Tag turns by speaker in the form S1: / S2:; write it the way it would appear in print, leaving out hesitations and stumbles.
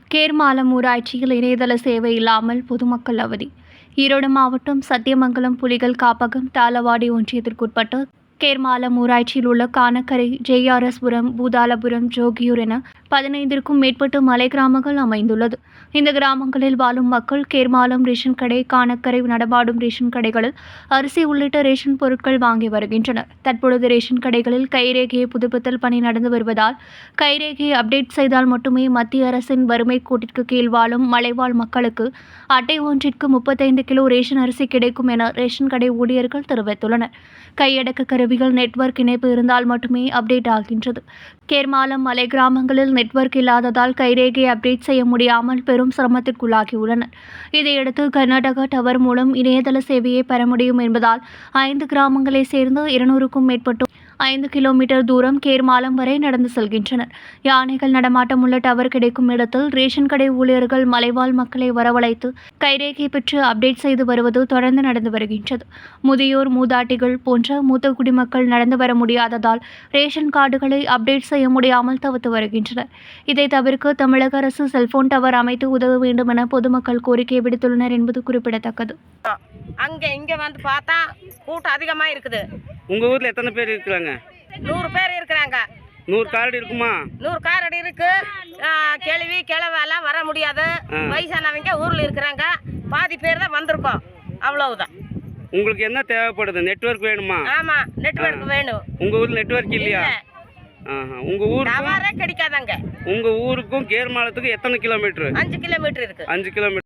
S1: கேர்மாலம் ஊராட்சியில் இணையதள சேவை இல்லாமல் பொதுமக்கள் அவதி. ஈரோடு மாவட்டம் சத்தியமங்கலம் புலிகள் காப்பகம் தாளவாடி ஒன்றியத்திற்குட்பட்ட கேர்மாலம் ஊராட்சியில் உள்ள கானக்கரை, ஜேஆர்எஸ்புரம், பூதாலபுரம், ஜோகியூர் என 15க்கும் மேற்பட்ட மலை கிராமங்கள் அமைந்துள்ளது. இந்த கிராமங்களில் வாழும் மக்கள் கேர்மாலம் ரேஷன் கடை, கானக்கரை நடமாடும் ரேஷன் கடைகளில் அரிசி உள்ளிட்ட ரேஷன் பொருட்கள் வாங்கி வருகின்றனர். தற்பொழுது ரேஷன் கடைகளில் கைரேகையை புதுப்பித்தல் பணி நடந்து வருவதால் கைரேகையை அப்டேட் செய்தால் மட்டுமே மத்திய அரசின் வறுமை கோட்டிற்கு கீழ் வாழும் மலைவாழ் மக்களுக்கு அட்டை ஒன்றிற்கு 35 கிலோ ரேஷன் அரிசி கிடைக்கும் என ரேஷன் கடை ஊழியர்கள் தெரிவித்துள்ளனர். கையடக்க கருவிகள் நெட்வொர்க் இணைப்பு இருந்தால் மட்டுமே அப்டேட் ஆகின்றது. கேர்மாலம் மலை கிராமங்களில் நெட்வொர்க் இல்லாததால் கைரேகை அப்டேட் செய்ய முடியாமல் பெரும் சிரமத்திற்குள்ளாகியுள்ளனர். இதையடுத்து கர்நாடகா டவர் மூலம் இணையதள சேவையை பெற முடியும் என்பதால் 5 கிராமங்களை சேர்ந்த 200க்கும் மேற்பட்டோர் 5 கிலோமீட்டர் தூரம் கேர்மாலம் வரை நடந்து செல்கின்றனர். யானைகள் நடமாட்டம் உள்ள டவர் கிடைக்கும் இடத்தில் ரேஷன் கடை ஊழியர்கள் மலைவாழ் மக்களை வரவழைத்து கைரேகை பெற்று அப்டேட் செய்து வருவது தொடர்ந்து நடந்து வருகின்றது. முதியோர், மூதாட்டிகள் போன்ற மூத்த குடிமக்கள் நடந்து வர முடியாததால் ரேஷன் கார்டுகளை அப்டேட் செய்ய முடியாமல் தவித்து வருகின்றனர். இதை தவிர்க்க தமிழக அரசு செல்போன் டவர் அமைத்து உதவ வேண்டும் என பொதுமக்கள் கோரிக்கை விடுத்துள்ளனர் என்பது குறிப்பிடத்தக்கது.
S2: அங்கே இங்கே வந்து பார்த்தா கூட்டம் அதிகமாக இருக்குது.
S3: உங்கள் ஊரில் எத்தனை பேர் இருக்கிறாங்க?
S2: 100 பேர் இருக்கிறாங்க.
S3: 100 கார்டு இருக்குமா?
S2: 100 கார்டு இருக்கு. கேள்வி கிழவெல்லாம் வர முடியாது. வயசானவங்க ஊரில் இருக்கிறாங்க. பாதி பேர் தான் வந்திருக்கோம். அவ்வளவுதான்.
S3: உங்களுக்கு என்ன தேவைப்படுது? நெட்வொர்க் வேணுமா?
S2: ஆமாம், நெட்வொர்க் வேணும்.
S3: உங்கள் ஊரில் நெட்வொர்க் இல்லையா? உங்கள் ஊர்
S2: டவரே கிடைக்காதாங்க.
S3: உங்கள் ஊருக்கும் கேர்மாலத்துக்கும் எத்தனை கிலோமீட்டர்?
S2: 5 கிலோமீட்டர் இருக்கு.
S3: 5 கிலோமீட்டர்.